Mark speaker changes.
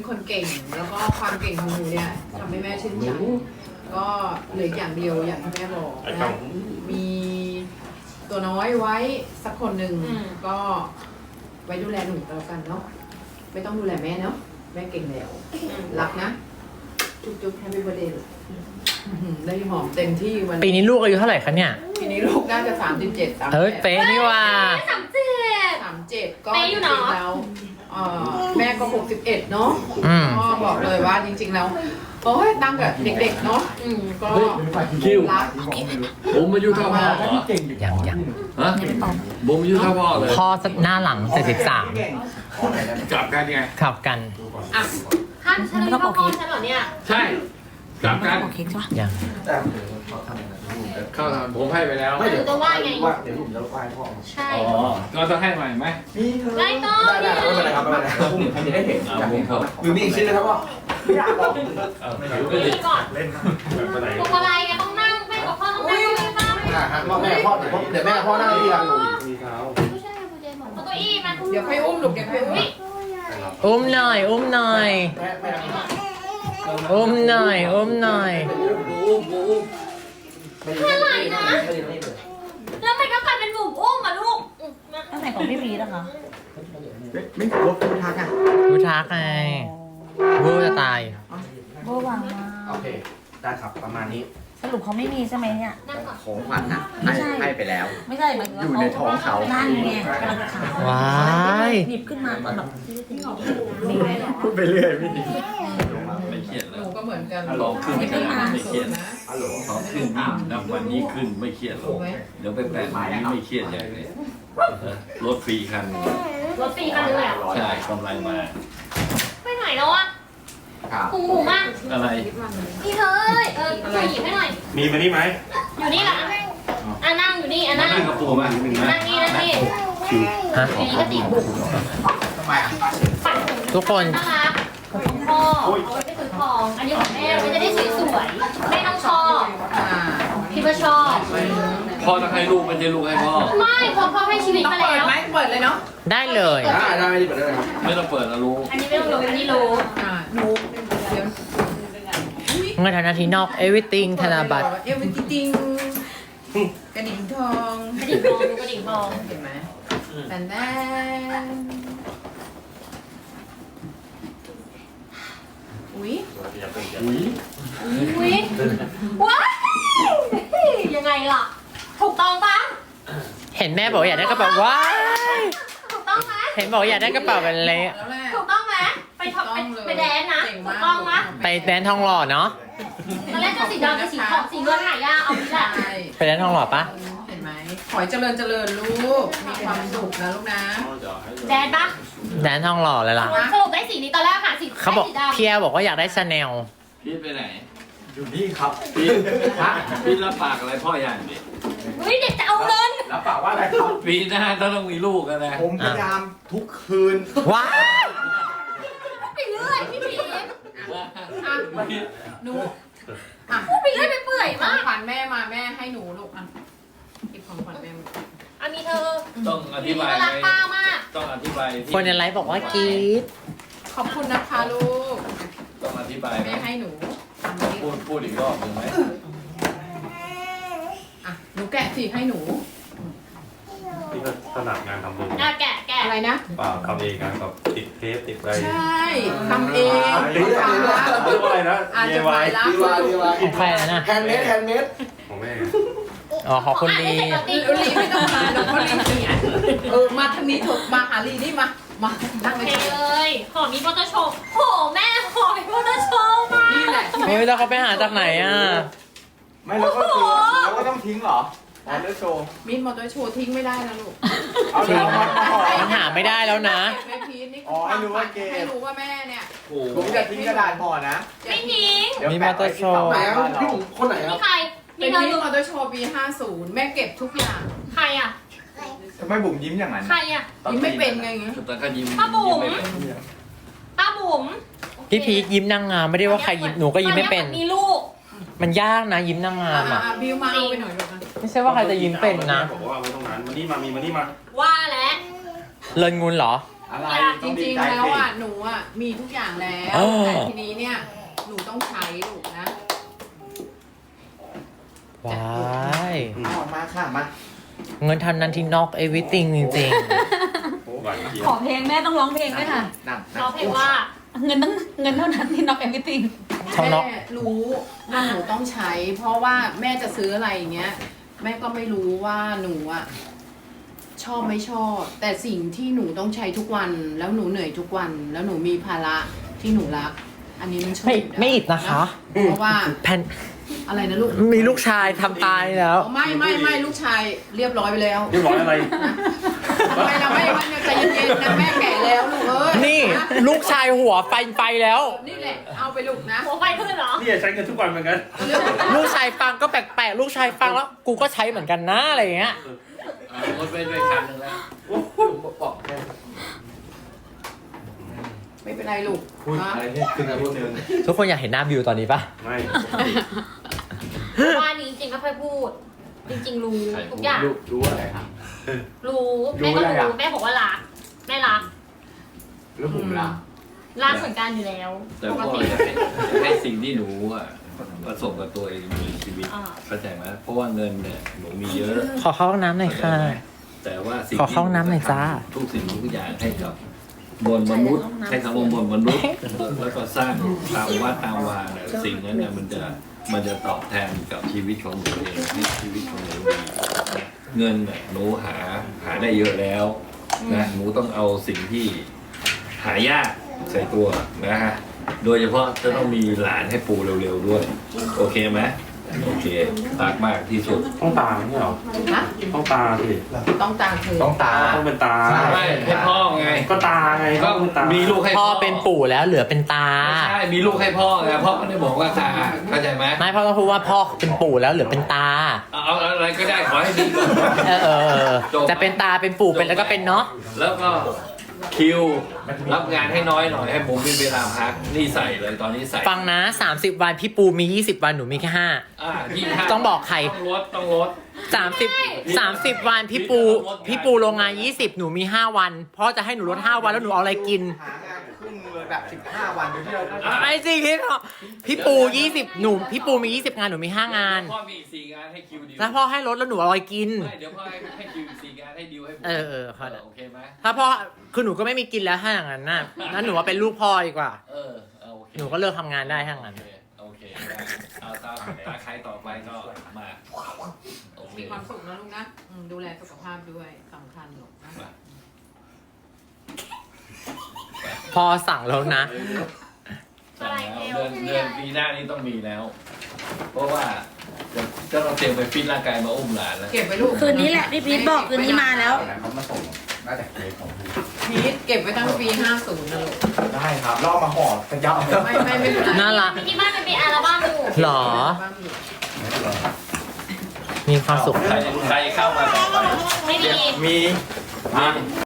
Speaker 1: คนเก่ง แล้วก็ความเก่งของหนูเนี่ยทำให้แม่ชื่นใจก็เหลืออย่างเดียวอย่างที่แม่บอกนะมีตัวน้อยไว้สักคนหนึ่งก็ไว้ดูแลหนูแล้วกันเนาะไม่ต้องดูแลแม่เนาะแม่เก่งแล้วรักนะจุ๊บๆแฮปปี้เบิร์ดเดย์ได้หอมเต็มที่วัน
Speaker 2: ปีนี้ลูกอายุเท่าไหร่คะเนี่ย
Speaker 1: ปีนี้ลูกน่าจะ37 38
Speaker 2: เฮ้ยเป๊ะนี่ว่า
Speaker 1: 37ก็จริงๆแล้วแม่ก็61เนาะ ก็บอกเลยว่าจริงๆแล้วโอ้ยตั้งกับเด็กๆเนาะก็
Speaker 3: คิว
Speaker 1: รัก
Speaker 3: ผมอายุเท่าพ่อเหรอ
Speaker 2: ยัง
Speaker 3: ฮะผมอายุเท่าพ่อเลย
Speaker 2: พ่อหน้าหลัง73
Speaker 3: กลับกันไง
Speaker 2: ขับกัน
Speaker 1: อ่ะ
Speaker 4: ท่านฉันต้องพ่อฉันเหรอเนี่ย
Speaker 3: ใช่กลับกัน
Speaker 2: ยัง
Speaker 3: เข้าทำผมให้ไปแล้ว
Speaker 4: ไม่เดี๋ยวจะว่าไง
Speaker 5: เดี๋ยวผมจะไหว้พ่อ
Speaker 4: ใช่
Speaker 3: อ๋อก็ต้องให้ใหม่ไหม
Speaker 4: ไม่ต้อง
Speaker 5: ได้ไม่เป็นไรครับไม่เป็นไรครับผมจะได้เห็นอยากเห็นครับหรือมีอีกชิ้นนะครับพ่อไม่อยากบอก
Speaker 4: นี่ก่อนพวงมาลัยไงต้องนั่งแม่กับพ่อต้องนั่งไม่ฟัง
Speaker 5: พ่อแม่พ่อเดี๋ยวแม่พ่อนั่งนี่ครับ
Speaker 4: ไม่ใช่ผู้ใจหมดเอาเก้าอี้มา
Speaker 1: เดี๋ยวค่อยอุ้มลูกเดี๋ยวค่อยอุ้ม
Speaker 2: อุ้มหน่อย อุ้มหน่อย
Speaker 5: แม่
Speaker 2: อุ้มหน่อย อุ้มหน่อย
Speaker 4: อะไรนะแล้วมันก็กลายเป็นหมูอุ้มอ่ะลูก
Speaker 6: ตั้งแต่ของพี่พีนะคะ
Speaker 5: ไม่ขอพูดทักอ่ะ
Speaker 2: รู้ทักไงรู้จะตาย
Speaker 6: เบอร์วางมา
Speaker 5: โอเคได้ครับประมาณนี้
Speaker 6: สรุปเขาไม่มีใช่ไหมเนี่ย
Speaker 4: นั่งก่อน
Speaker 5: ของขวัญนะ
Speaker 6: ไม่ใช่
Speaker 5: ให้ไปแล้ว
Speaker 6: ไม่ใช่มัน
Speaker 5: อยู่ในท้องเขา
Speaker 6: นั่นไงกำลังจะถาม
Speaker 2: ว้าย
Speaker 6: หยิบขึ้นมาตอนแบบ
Speaker 5: พูดไปเรื่อยพี่
Speaker 3: ไม่เครียด
Speaker 1: ห
Speaker 3: แล้
Speaker 1: นู
Speaker 3: ว
Speaker 1: ก็เหมือนกัน
Speaker 3: ลองขึ้น
Speaker 1: ไม่
Speaker 3: ก็
Speaker 1: ได้
Speaker 3: ได้
Speaker 1: มา
Speaker 3: ไม่เครียด
Speaker 1: นะ
Speaker 5: ฮัลโหล
Speaker 3: ขอขึ้นนับวันนี้ขึ้นไม่เครียดหรอกเดี๋ยวไปแปะวันนี้ไม่เครียดอย่างนี้รถฟรีคัน
Speaker 4: รถฟรีคันนึงเลยอ่ะ
Speaker 3: ใช่กำไรมา
Speaker 4: ไปไหนแล้วอ่ะ
Speaker 5: ครับ
Speaker 4: หูหมูมาก
Speaker 3: อะไร
Speaker 4: นี่เธอเอ้ยช่วยหยิบให้หน่อย
Speaker 7: มีมานี่ไหม
Speaker 4: อยู่นี่แหละนั่งอยู่นี่นั่ง
Speaker 3: นั่งกระปูมา
Speaker 4: นั่งนี่นั่งนี่
Speaker 2: ฮะ
Speaker 4: นี่ก็ติดบุก
Speaker 5: ทำไมอ่ะ
Speaker 4: ฝันผม
Speaker 2: ทุกคน
Speaker 4: น่ารักของพ่อเอาไว้ไปซื้อทอง อันนี้ของแม่มันจะได้สวยๆแม่ต้องชอบ
Speaker 1: อ่า
Speaker 4: พี่ว่าชอบ
Speaker 3: พ่อต้องให้ลูกไม่ใช่ลูกให้พ่อ
Speaker 4: ไม่เพราะพ่อให้ชีวิต
Speaker 1: ต้อง
Speaker 4: มา
Speaker 1: เปิด
Speaker 4: แล้ว
Speaker 1: ไหมเปิดเลยเนาะ
Speaker 2: ได้เลย
Speaker 5: ได้ไม่ได้เปิดได้ครับ
Speaker 3: ไม่ต้องเปิดนะรู้
Speaker 4: อันนี้ไม่ต้องรู้อันนี้รู้
Speaker 1: หนูเดี๋ยว
Speaker 2: เงินธนาทีนอก everything ธนาบัตร
Speaker 1: เอวจริงกระดิ่งทอง
Speaker 4: กระดิ่งทองดูกระดิ่งทอง
Speaker 1: เห็นไหมแต่แน่ อุ๊ย
Speaker 3: อุ้ย
Speaker 4: อุ้ยว้ายยังไงล่ะ ถูกต้องปะ
Speaker 2: เห็นแม่บอกอยากได้กระเป๋าว้าย
Speaker 4: ถูกต้องไหม
Speaker 2: เห็นบอกอยากได้กระเป๋าเป็นเละ
Speaker 1: แล้วแหละ
Speaker 4: ถูกต้องไหมไปทำไปแดนนะถูกต้องไหม
Speaker 2: ไปแดนทองหล่อเนาะ
Speaker 4: ตอนแรกจะสีดำกับสีทองสีเงินหายากเอาไปแหละ
Speaker 1: ใช่
Speaker 2: ไปแดนทองหล่อปะ
Speaker 1: เห็นไหมขอให้เจริญเจริญลูก มีความสุขนะลูกนะ
Speaker 4: แดนปะ
Speaker 2: แดนทองหล่อเลยล่ะ
Speaker 4: สรุปได้สีนี้ตอนแรกค่ะสี
Speaker 2: เขาบอก
Speaker 4: สีดำ
Speaker 2: พี่แอร์บอกว่าอยากได้ชาแนล
Speaker 3: พีทไปไหน
Speaker 5: อยู่นี่ครับ
Speaker 3: พีทพีทรับปากอะไรพ่ออย่างดิ
Speaker 4: เฮ้ยเด็กจะเอาเงิน
Speaker 5: แล้วฝากว่าอะไรครับ
Speaker 3: ปีหน้าต้องมีลูกกันนะ
Speaker 5: ผมพยายามทุกคืน
Speaker 2: ว้าย
Speaker 4: ไปเรื่อยพี่พีช
Speaker 1: อ่ะหนูอ่ะ
Speaker 4: พูดไปเรื่อยไปเปื่อย
Speaker 1: ขอ
Speaker 4: มาง ก
Speaker 1: ขวัญแม่มาแม่ให้หนูลูกอ่ะหยิบของขวัญแม่มา
Speaker 4: อันนี้เธอ
Speaker 3: ต้องอธิ
Speaker 4: พี่
Speaker 3: บาย
Speaker 4: ก็
Speaker 3: ไห
Speaker 4: รัก
Speaker 3: ม
Speaker 4: ป้ามาก
Speaker 3: ต้องอธิบายที่
Speaker 2: คนในไลฟ์บอกว่ากรี๊ด
Speaker 1: ขอบคุณนะคะลูก
Speaker 3: ต้องอธิบายไหม
Speaker 1: แม่ให้หนูทำนี้
Speaker 3: พูดอีกรอบหนึ่งไหม
Speaker 1: อ่ะหนูแกะสิให้หนู
Speaker 7: ที่ก็ถนัดงานทำมือ
Speaker 4: อ่ะแกะแกะ
Speaker 1: อะไรนะ
Speaker 7: เปล่าทำเองงานแบบติดเทปติดอะไร
Speaker 1: ใช่ทำเอง
Speaker 7: เรียกว่าอะไรนะ
Speaker 1: อาจจะขายรัก
Speaker 5: ดีว่าดีว่า
Speaker 2: ของใครแล้วนะ
Speaker 5: แฮนด์เมดแฮนด์เมด
Speaker 7: ของแม่
Speaker 2: อ๋อขอบคุณดี
Speaker 4: อ่ะ
Speaker 1: ลีไม่ต้องมาหนูก็ลีเนี่ยมาทางนี้เถอะมาหาลีนี่มานั่ง
Speaker 4: โอ
Speaker 1: เลย
Speaker 4: เคเลยขอมีมอเตอร์โชว์โหแม่ขอมีมอเตอร์โชว์มา
Speaker 1: นี่แหละ
Speaker 2: เฮ้ยแล้วเขาไปหาจากไหนอ่ะ
Speaker 5: ไม่แล้วก็คือแล้วก็ต้องทิ้งเหรอออเดอร์โชว์
Speaker 1: มินมอเตอร์โชว์ทิ้งไม่ได้นะลูก
Speaker 5: เอาเรามาห่อ
Speaker 2: มันหาไม่ได้แล้วนะ
Speaker 1: แม่พีทนี่
Speaker 5: อ๋อให้รู้ว่าเกม
Speaker 1: ให้รู้ว่าแม่เนี่ย
Speaker 3: โอ้โห
Speaker 5: ผมจะทิ้งกระดาษห่อนะ
Speaker 4: ไม่ทิ้ง
Speaker 5: เดี๋ยว
Speaker 2: มีมอเตอร์โชว์
Speaker 5: แปะไว้ที่เสาบ้านเราพี่ผมคนไหนค
Speaker 4: มี
Speaker 5: รับ
Speaker 4: ใครมี
Speaker 1: เป็น
Speaker 4: เธอ
Speaker 1: มิน
Speaker 4: รู้
Speaker 1: มอเตอร์โชว์ปี 50 แม่เก็บทุกอย่าง
Speaker 4: ใครอ่ะ
Speaker 5: ทำไมบุ๋มยิ้มอย่างนั้น
Speaker 4: ใครอ่ะ
Speaker 1: ยิ้มไม่เป็นไง
Speaker 3: แต่ก็ยิ้ม
Speaker 4: ป้าบุ๋ม
Speaker 3: ยิ้ไม่เป็น
Speaker 4: ป้าบุ๋ม
Speaker 2: พี่พีคยิ้มนางงามไม่ได้ว่าใครยิ้มหนูก็ยิ้มไม่เป็น
Speaker 4: มีลูก
Speaker 2: มันยากนะยิ้มนางงามอ่ะ
Speaker 1: บิวมาเอาไปหน่อยลูกนะ
Speaker 2: ไม่ใช่ว่าใครจะยิ้มเป็นนะ
Speaker 7: บอกว่าไว้ตรงนั้นมานี่มามีมานี่มา
Speaker 4: ว่าแล้ว
Speaker 2: เลินงุนเหรอ
Speaker 5: อะไร
Speaker 1: จริงๆแล้วอ่ะหนูอ่ะมีทุกอย่างแล้วแต่ทีนี้เนี่ยหนูต้องใช้ลูกนะ
Speaker 2: ว้าย
Speaker 5: ออกมาค่ะมา
Speaker 2: เงินเท่านั้นที่นอก everything จริง
Speaker 7: หวานเจี๊ย
Speaker 6: ข
Speaker 7: บ
Speaker 6: อเพลงแม่ต้องร้องเพลงด้วยค่ะ
Speaker 5: นั่ง
Speaker 4: เราเพลงว่า
Speaker 6: เงินเท่านั้นที่น็อกเอวิติง
Speaker 2: ๆช่องนอก
Speaker 1: แม่รู้ว่าหนูต้องใช้ เพราะว่าแม่จะซื้ออะไรอย่างเงี้ยแม่ก็ไม่รู้ว่าหนูอ่ะชอบไม่ชอบ แต่สิ่งที่หนูต้องใช้ทุกวัน แล้วหนูเหนื่อยทุกวัน แล้วหนูมีภาระที่หนูรัก อันนี้มันช่วย
Speaker 2: ไม่อิดนะคะ
Speaker 1: เพราะว่า
Speaker 2: แพน
Speaker 1: อะไรนะลูก
Speaker 2: มีลูกชายทำตายแล้ว
Speaker 1: ไม่ลูกชายเรียบร้อยไปแล้ว
Speaker 7: เรียบร้อยอะไร
Speaker 1: ไม่นะไม่ใจเย็นๆนะแม่แก่แล้วลูกเอ้ย
Speaker 2: นี่ลูกชายหัวไฟแล้ว
Speaker 1: นี่แหละเอาไปลูกนะ
Speaker 4: หัวไฟขึ้นเหรอ
Speaker 7: นี่ใช้เงินทุกวันเหมือนกัน
Speaker 2: ลูกชายฟังก็แปลกๆ ลูกชายฟังแล้ว กูก็ใช้เหมือนกันนะอะไรอย่างเงี้ย
Speaker 3: รถไปด้วยคันหนึงแล้ว
Speaker 5: บอกแค่
Speaker 1: ไม่เป็นไรลูก
Speaker 5: พูด
Speaker 1: นะ
Speaker 5: อะไรเนี่ยขึ้นมาพูดนึง
Speaker 2: ทุกคนอยากเห็นหน้าบิวตอนนี้ปะ
Speaker 7: ไม่
Speaker 4: ว่านี้จริงๆไม่ค่อยพูด จริงๆรู้ทุกอย่าง
Speaker 5: รู้อะไรครับ
Speaker 4: รู้แม่ก็
Speaker 5: รู้อะไร
Speaker 4: รู้
Speaker 5: อ่ะ
Speaker 4: แม่บอกว่ารักแม่รัก
Speaker 5: แล้วผมล่ะ
Speaker 4: รักเหมือนกันอยู่แล้ว
Speaker 3: แต่
Speaker 4: ปก
Speaker 3: พ่อ
Speaker 4: ติ
Speaker 3: อยากให้สิ่งที่หนูอ่ะประสบกับตัวเองมีชีวิต
Speaker 4: อ่า
Speaker 3: เข้าใจไหมเพราะว่าเงินเนี่ยหนูมีเยอะ
Speaker 2: ขอเข้าห้องน้ำหน่อยค่ะ
Speaker 3: แต่ว่าสิ่ง
Speaker 2: ขอเข้าห้องน้ำหน่อยจ้า
Speaker 3: ทุกสิ่งทุกอย่างให้กับบนมนุษย์ให้คำว่าบนมนุษย์แล้วก็สร้างตามวัดตามวาเนี่ยสิ่งนั้นเนี่ยมันจะตอบแทนกับชีวิตของหนูเองให้ชีวิตของหนูดีเงินเนี่ยหนูหาได้เยอะแล้วนะหนูต้องเอาสิ่งที่หายากใส่ตัวนะฮะโดยเฉพาะจะต้องมีหลานให้ปูเร็วๆด้วย โอเคไหมโอเคตากมากที่สุด
Speaker 7: ต้องตาไม่ใช่เหรอ
Speaker 1: นะ
Speaker 7: ต้องตาสิ
Speaker 1: ต้องตามเธอ
Speaker 5: ต้องตา
Speaker 7: ต้องเป็นตา
Speaker 5: ใช่
Speaker 3: ไม่ให้พ่อไง
Speaker 7: ก็ตาไง
Speaker 3: ก็
Speaker 7: ต้องตา
Speaker 3: มีลูกให้
Speaker 2: พ่อเป็นปู่แล้วเหลือเป็นตา
Speaker 3: ไม่ใช่มีลูกให้พ่อไงพ่อไม่ได้บอกว่าตาเข้าใจไหม
Speaker 2: ไม่พ่อต้องพูดว่าพ่อเป็นปู่แล้วเหลือเป็นตา
Speaker 3: เอาอะไรก็ได้ขอให้ดีก่อน
Speaker 2: เออจะเป็นตาเป็นปู่เป็นแล้วก็เป็นเนาะ
Speaker 3: แล้วก็คิวรับงานให้น้อยหน่อยให้ผมมีเวลาพักนี่ใส่เลยตอนนี้ใส่
Speaker 2: ฟังนะ 30 วันพี่ปูมี 20 วันหนูมีแค่
Speaker 3: 25
Speaker 2: ต้องบอกใคร
Speaker 3: ต้องลด
Speaker 2: 5 30 วันพี่ปูโรงงาน 20 หนูมี 5 วันพ่อจะให้หนูลด 5 วันแล้วหนูเอาอะไรกิน
Speaker 5: หางานครึ่งเลยแบบ15 วันโดยที่เราได้
Speaker 2: ไม่จริงพี่ปู20พี่ปูมี 20 งานหนูมี 5 งาน
Speaker 3: พ่อมีอีก4งานให้คิวดิว
Speaker 2: แล้วพ่อให้ลดแล้วหนูเอาอะไรกิน
Speaker 3: ไม่เดี๋ยวพ่อให้คิวอีก4งานให้ดิวให้ผม
Speaker 2: เออเข้าใจ
Speaker 3: โอเคไหม
Speaker 2: ถ้าพ่อคือหนูก็ไม่มีกินแล้วถ้าอย่างนั้นน่ะงั้นหนูว่าเป็นลูกพ่อดีกว่า
Speaker 3: โอเค
Speaker 2: หนูก็เลิกทำงานได้ถ้าอย่างนั้น
Speaker 3: โอเคได้เอาตาใครต่อไปก็มาโอเค
Speaker 1: มีความสุขนะลูกนะดูแลสุขภาพด้วยสำคัญลูกนะ
Speaker 2: พ่อสั่งแล้วนะ
Speaker 3: สั่งแล้วเดือนปีหน้านี้ต้องมีแล้ว เพราะว่าจะต้องเตรียมไปฟิตร่างกายมาอุ้มหลานแล้ว
Speaker 1: เก็บไว้ลูก
Speaker 6: คืนนี้แหละที่พีทบอกคืนนี้มาแล้ว
Speaker 5: เขามาส่งน่าจะเคยของพี่
Speaker 1: พีทเก็บไว้ตั้งปี 50นะลูก
Speaker 5: ได้ครับล่อมาห่อขยับ
Speaker 1: ไม่เป็นไร
Speaker 2: น่ารัก
Speaker 4: ที่บ้านมันมีอัลบั้มอยู่
Speaker 2: หรอ มีความสุข
Speaker 3: ใครเข้ามาต่อไป
Speaker 4: ไม่มี
Speaker 5: มี